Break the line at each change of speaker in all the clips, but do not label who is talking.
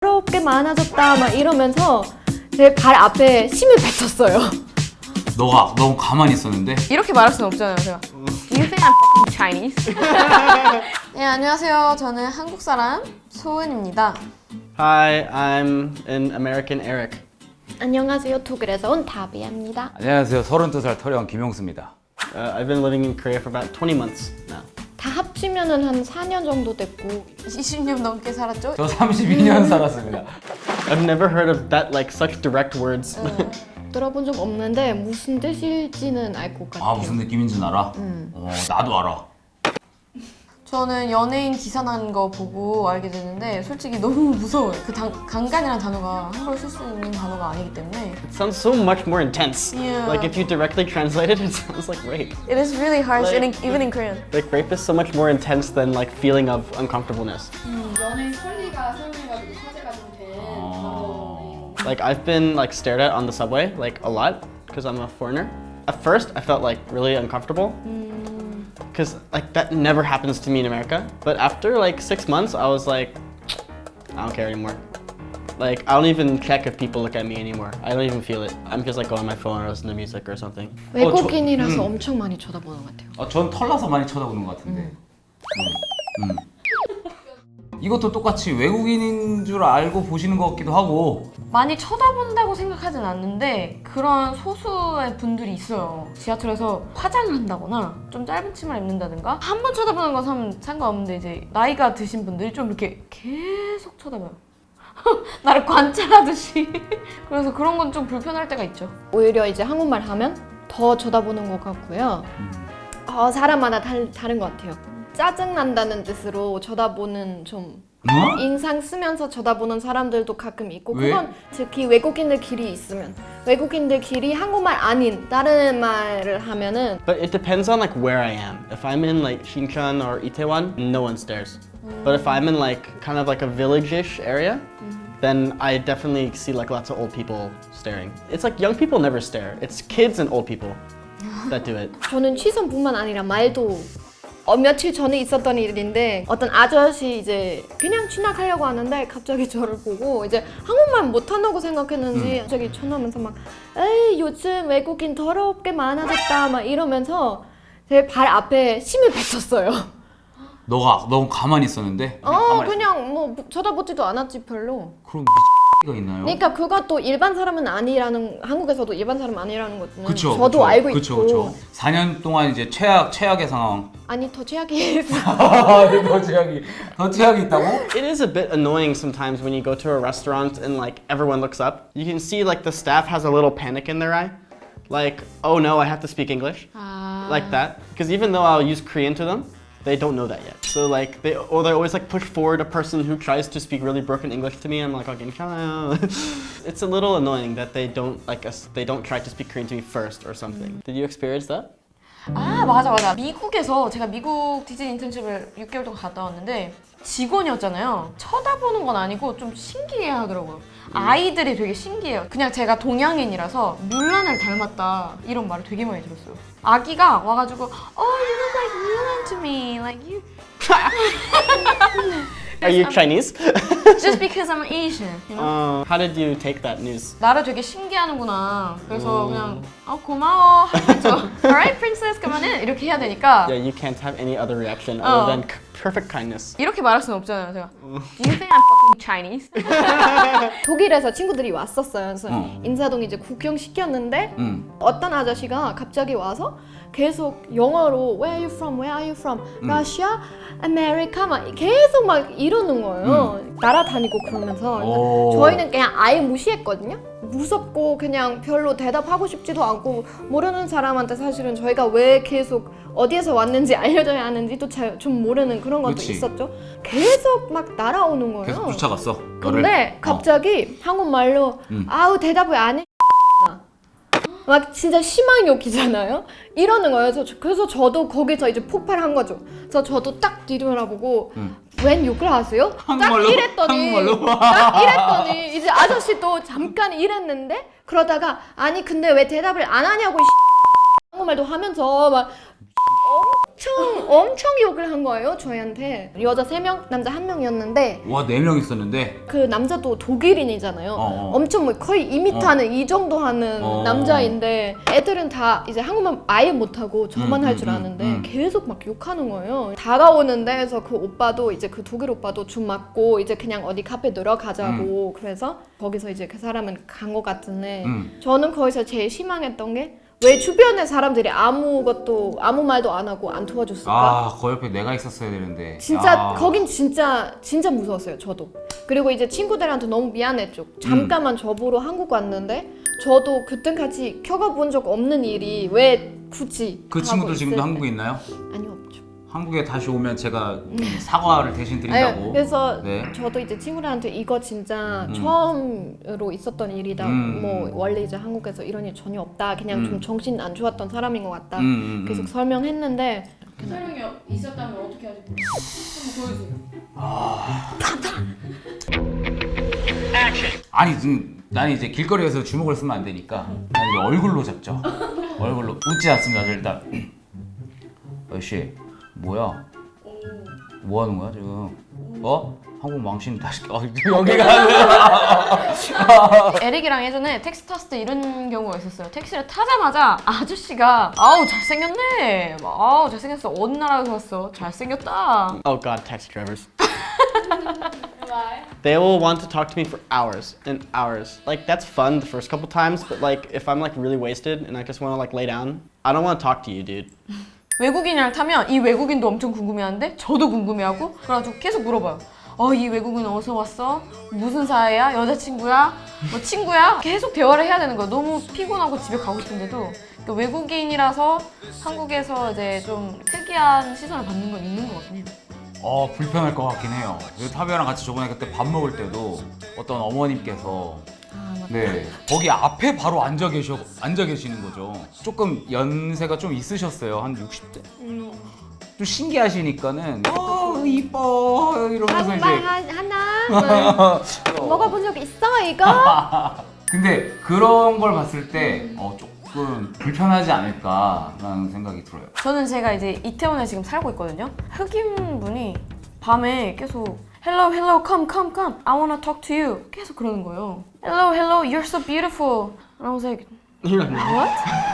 더럽게 많아졌다 막 이러면서 제 발 앞에 침을 뱉었어요.
너가 너무 가만히 있었는데?
이렇게 말할 수는 없잖아요, 제가. Do you think I'm fucking Chinese? 네, 안녕하세요. 저는 한국 사람 소은입니다.
Hi, I'm an American Eric.
안녕하세요. 독일에서 온 다비입니다.
안녕하세요. 32살 터령 김용수입니다.
I've been living in Korea for about 20 months now.
다 합치면은 한 4년 정도 됐고
20년 넘게 살았죠?
저 32년 살았습니다.
I've never heard of that, like, such direct words.
들어본 적 없는데 무슨 뜻일지는 알 것 같아요.
아, 무슨 느낌인지는 알아? 나도 알아.
저는 연예인 기사 난 거 보고 알게 됐는데 솔직히 너무 무서워요. 그 강간이라는 단어가 한국어로 쓸 수 있는 단어가 아니기 때문에
It sounds so much more intense.
Yeah.
Like, if you directly translate it, it sounds like rape.
It is really harsh,
Like-
even in Korean.
Like, rape is so much more intense than, like, feeling of uncomfortableness.
연예인 설리가 사용해가지고 화제가 좀 된 단어.
Like, I've been, like, stared at on the subway, like, a lot, because I'm a foreigner. At first, I felt, like, really uncomfortable. Because, like, that never happens to me in America. But after, like, 6 months, I was like, I don't care anymore. Like, I don't even check if people look at me anymore. I don't even feel it. I'm just, like, go on my phone or listen to music or something.
외국인이라서 엄청 많이 쳐다보는 것 같아요.
전 털나서 많이 쳐다보는 것 같은데. 이것도 똑같이 외국인인 줄 알고 보시는 것 같기도 하고.
많이 쳐다본다고 생각하진 않는데 그런 소수의 분들이 있어요. 지하철에서 화장을 한다거나 좀 짧은 치마를 입는다든가 한 번 쳐다보는 건 상관없는데 이제 나이가 드신 분들이 좀 이렇게 계속 쳐다봐요. 나를 관찰하듯이. 그래서 그런 건 좀 불편할 때가 있죠.
오히려 이제 한국말 하면 더 쳐다보는 것 같고요. 사람마다 다른 것 같아요. 짜증난다는 뜻으로 쳐다보는 좀 인상 쓰면서 쳐다보는 사람들도 가끔 있고
왜?
그건 특히 외국인들끼리 있으면 외국인들끼리 한국말 아닌 다른 말을 하면은
But it depends on, like, where I am. If I'm in, like, Shincheon or Itaewon, no one stares. But if I'm in, like, kind of like a village-ish area, then I definitely see, like, lots of old people staring. It's like young people never stare. It's kids and old people that do it.
저는 시선뿐만 아니라 말도 며칠 전에 있었던 일인데 어떤 아저씨 이제 그냥 지나가려고 하는데 갑자기 저를 보고 이제 한국말 못한다고 생각했는지 갑자기 쳐다보면서 막 에이 요즘 외국인 더럽게 많아졌다 막 이러면서 제 발 앞에 침을 뱉었어요.
너가 너무 가만히 있었는데? 가만히
그냥 뭐 쳐다보지도 않았지 별로.
그럼 가 있나요?
그러니까 그것도 일반 사람은 아니라는 한국에서도 일반 사람 아니라는 것은
그쵸,
저도
그쵸,
알고
그쵸,
있고
그쵸. 4년 동안 이제 최악의 상황.
아니 더 최악이
더 최악이 있다고?
It is a bit annoying sometimes when you go to a restaurant and, like, everyone looks up. You can see, like, the staff has a little panic in their eye. Like, oh no, I have to speak English. Like that. Because even though I'll use Korean to them, they don't know that yet. So, like, they always, like, push forward a person who tries to speak really broken English to me. I'm like, okay, it's a little annoying that they don't try to speak Korean to me first or something. Did you experience that?
아 맞아. 미국에서 제가 미국 디즈니 인턴십을 6개월 동안 갔다 왔는데 직원이었잖아요. 쳐다보는 건 아니고 좀 신기해 하더라고요. 아이들이 되게 신기해요. 그냥 제가 동양인이라서 뮬란을 닮았다 이런 말을 되게 많이 들었어요. 아기가 와가지고 you look like Mulan to me, like you.
Are you Chinese?
Just because I'm Asian, you know?
How did you take that news?
나를 되게 신기하는구나. 그래서 그냥 고마워 하면서 Alright, princess, 그러면은 이렇게 해야 되니까
Yeah, you can't have any other reaction other than perfect kindness.
이렇게 말할 수는 없잖아요, 제가. Do you think I'm fucking Chinese?
독일에서 친구들이 왔었어요. 그래서 인사동 이제 구경시켰는데 어떤 아저씨가 갑자기 와서 계속 영어로 Where are you from? Where are you from? Russia? America? 막 계속 막 이러는 거예요. 날아다니고 그러면서
오.
저희는 그냥 아예 무시했거든요. 무섭고 그냥 별로 대답하고 싶지도 않고 모르는 사람한테 사실은 저희가 왜 계속 어디에서 왔는지 알려줘야 하는지도 좀 모르는 그런 것도
그치.
있었죠. 계속 막 날아오는 거예요.
계속 쫓아갔어.
근데 갑자기 한국말로 아우 대답을 안 해. 막 진짜 심한 욕이잖아요. 이러는 거예요. 그래서 저도 거기서 이제 폭발한 거죠. 그래서 저도 딱 뒤돌아보고 웬 욕을 하세요?
한국말로?
딱 이랬더니
한국말로?
딱 이랬더니 이제 아저씨도 잠깐 이랬는데 그러다가 아니 근데 왜 대답을 안 하냐고 한국말도 하면서 막 엄청 욕을 한 거예요 저희한테. 여자 3명, 남자 1명이었는데
와, 4명 있었는데.
그 남자도 독일인이잖아요. 엄청 뭐 거의 2m 하는 이 정도 하는 남자인데 애들은 다 이제 한국말 아예 못하고 저만 할 줄 아는데 계속 막 욕하는 거예요. 다가오는 데에서 그 오빠도 이제 그 독일 오빠도 줌 맞고 이제 그냥 어디 카페 들어가자고 그래서 거기서 이제 그 사람은 간 것 같은데 저는 거기서 제일 실망했던 게 왜 주변의 사람들이 아무 말도 안 하고 안 도와줬을까?
아, 그 옆에 내가 있었어야 되는데.
진짜
아.
거긴 진짜 무서웠어요 저도. 그리고 이제 친구들한테 너무 미안했죠. 잠깐만 저보러 한국 왔는데 저도 그때까지 겪어본 적 없는 일이 왜 굳이
그
하고
친구들 지금도
있을
한국에
때.
있나요?
아니요 없죠.
한국에 다시 오면 제가 사과를 대신 드린다고.
아니, 그래서
네.
저도 이제 친구들한테 이거 진짜 처음으로 있었던 일이다. 뭐 원래 이제 한국에서 이런 일 전혀 없다. 그냥 좀 정신 안 좋았던 사람인 것 같다. 계속 설명했는데
설명이 있었다면 어떻게 하지? 한번 보여주세요.
아니, 난 이제 길거리에서 주먹을 쓰면 안 되니까 난 이제 얼굴로 잡죠. 얼굴로. 웃지 않습니다. 저 일단. 아저씨, 뭐야? 뭐 하는 거야 지금? 한국 망신 다시 여기가
에릭이랑 예전에 택시 탔을 때 이런 경우가 있었어요. 택시를 타자마자 아저씨가 아우 잘생겼네. 아우 잘생겼어. 어느 나라에서 왔어? 잘생겼다.
Oh god, taxi drivers.
Why?
They will want to talk to me for hours and hours. Like that's fun the first couple times, but like if I'm like really wasted and I just want to like lay down, I don't want to talk to you, dude.
외국인이랑 타면 이 외국인도 엄청 궁금해하는데 저도 궁금해하고 그래가지고 계속 물어봐요. 이 외국인 어디서 왔어? 무슨 사이야? 여자친구야? 뭐 친구야? 계속 대화를 해야 되는 거야. 너무 피곤하고 집에 가고 싶은데도 그러니까 외국인이라서 한국에서 이제 좀 특이한 시선을 받는 건 있는 것 같긴 해요.
불편할 것 같긴 해요. 타비아랑 같이 저번에 그때 밥 먹을 때도 어떤 어머님께서 네, 거기 앞에 바로 앉아 계시는 거죠. 조금 연세가 좀 있으셨어요. 한 60대. 좀 신기하시니까는 이뻐 이러면서 이제
한국말 하나 먹어본 적 있어 이거?
근데 그런 걸 봤을 때 조금 불편하지 않을까라는 생각이 들어요.
저는 제가 이제 이태원에 지금 살고 있거든요. 흑인 분이 밤에 계속 Hello, hello, come, come, come. I wanna talk to you. 계속 그러는 거예요. Hello, hello, you're so beautiful. And I was like, what?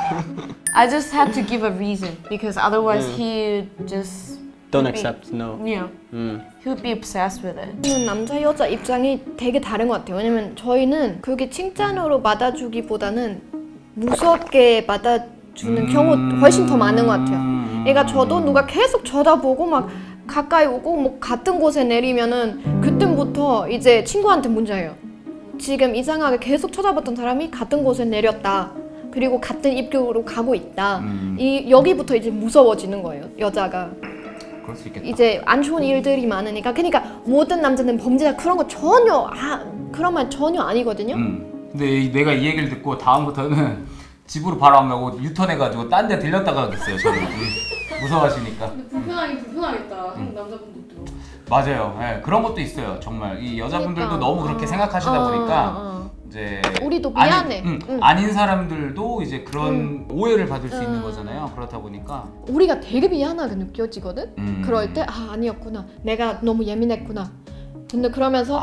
I just had to give a reason because otherwise he just
Don't
would be-
accept, no.
Yeah, he would be obsessed with it.
저는 남자 여자 입장이 되게 다른 것 같아요. 왜냐면 저희는 그게 칭찬으로 받아주기보다는 무섭게 받아주는 경우 훨씬 더 많은 것 같아요. 그러니까 저도 누가 계속 쳐다보고 막 가까이 오고 뭐 같은 곳에 내리면은 그때부터 이제 친구한테 문제예요. 지금 이상하게 계속 쳐다봤던 사람이 같은 곳에 내렸다. 그리고 같은 입구로 가고 있다. 여기부터 이제 무서워지는 거예요. 여자가.
그럴 수 있겠다.
이제 안 좋은 일들이 많으니까. 그러니까 모든 남자는 범죄자 그런 거 전혀 그런 말 전혀 아니거든요.
근데 내가 이 얘기를 듣고 다음부터는 집으로 바로 안 가고 유턴해가지고 딴 데 들렸다가 가겠어요. 저는 무서워하시니까.
근데 불편하겠다. 한국 남자분들도.
맞아요. 네, 그런 것도 있어요. 정말 이 여자분들도
그러니까.
너무 그렇게 생각하시다 보니까 이제
우리도 미안해.
아닌 사람들도 이제 그런 오해를 받을 수 있는 거잖아요. 그렇다 보니까
우리가 되게 미안하게 느껴지거든? 그럴 때 아니었구나. 내가 너무 예민했구나. 근데 그러면서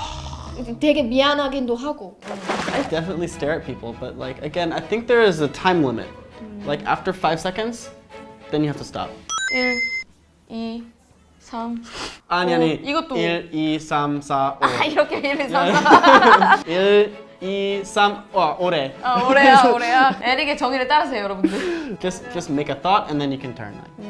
되게 미안하긴도 하고.
I definitely stare at people, but like again, I think there is a time limit. Like after 5 seconds, then you have to stop.
1, 2, 3.
아니
이것도
1, 2, 3, 4, 5.
이렇게 1, 2, 3, 4.
1, 2, 3, 오래.
오래야. 에릭의 정의를 따르세요, 여러분들.
Just make a thought and then you can turn.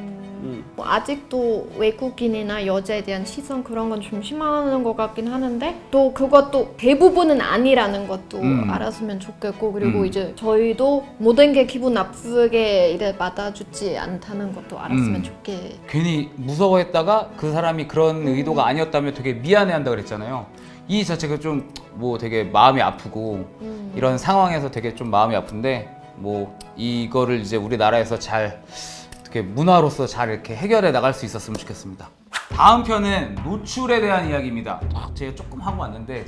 뭐 아직도 외국인이나 여자에 대한 시선 그런 건 좀 심한 것 같긴 하는데 또 그것도 대부분은 아니라는 것도 알았으면 좋겠고 그리고 이제 저희도 모든 게 기분 나쁘게 이래 받아주지 않다는 것도 알았으면 좋겠.
괜히 무서워했다가 그 사람이 그런 의도가 아니었다면 되게 미안해한다 그랬잖아요. 이 자체가 좀 뭐 되게 마음이 아프고 이런 상황에서 되게 좀 마음이 아픈데 뭐 이거를 이제 우리나라에서 잘 어떻게 문화로서 잘 이렇게 해결해 나갈 수 있었으면 좋겠습니다. 다음 편은 노출에 대한 이야기입니다. 제가 조금 하고 왔는데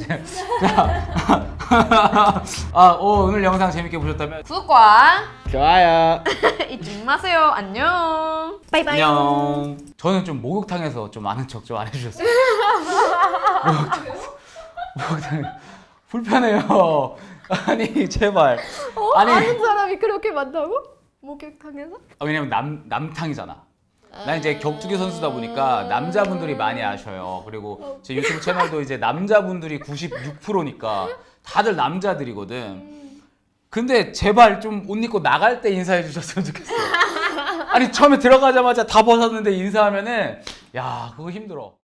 오늘 영상 재밌게 보셨다면
구독과
좋아요.
잊지 마세요. 안녕.
바이바이.
안녕. 저는 좀 목욕탕에서 좀 아는 척 좀 안 해주셨어요. 목욕탕 불편해요. 아니 제발. 아니
아는 사람이 그렇게 많다고? 목욕탕에서?
왜냐면 남탕이잖아. 난 이제 격투기 선수다 보니까 남자분들이 많이 아셔요. 그리고 제 유튜브 채널도 이제 남자분들이 96%니까 다들 남자들이거든. 근데 제발 좀 옷 입고 나갈 때 인사해 주셨으면 좋겠어요. 아니 처음에 들어가자마자 다 벗었는데 인사하면은 야 그거 힘들어.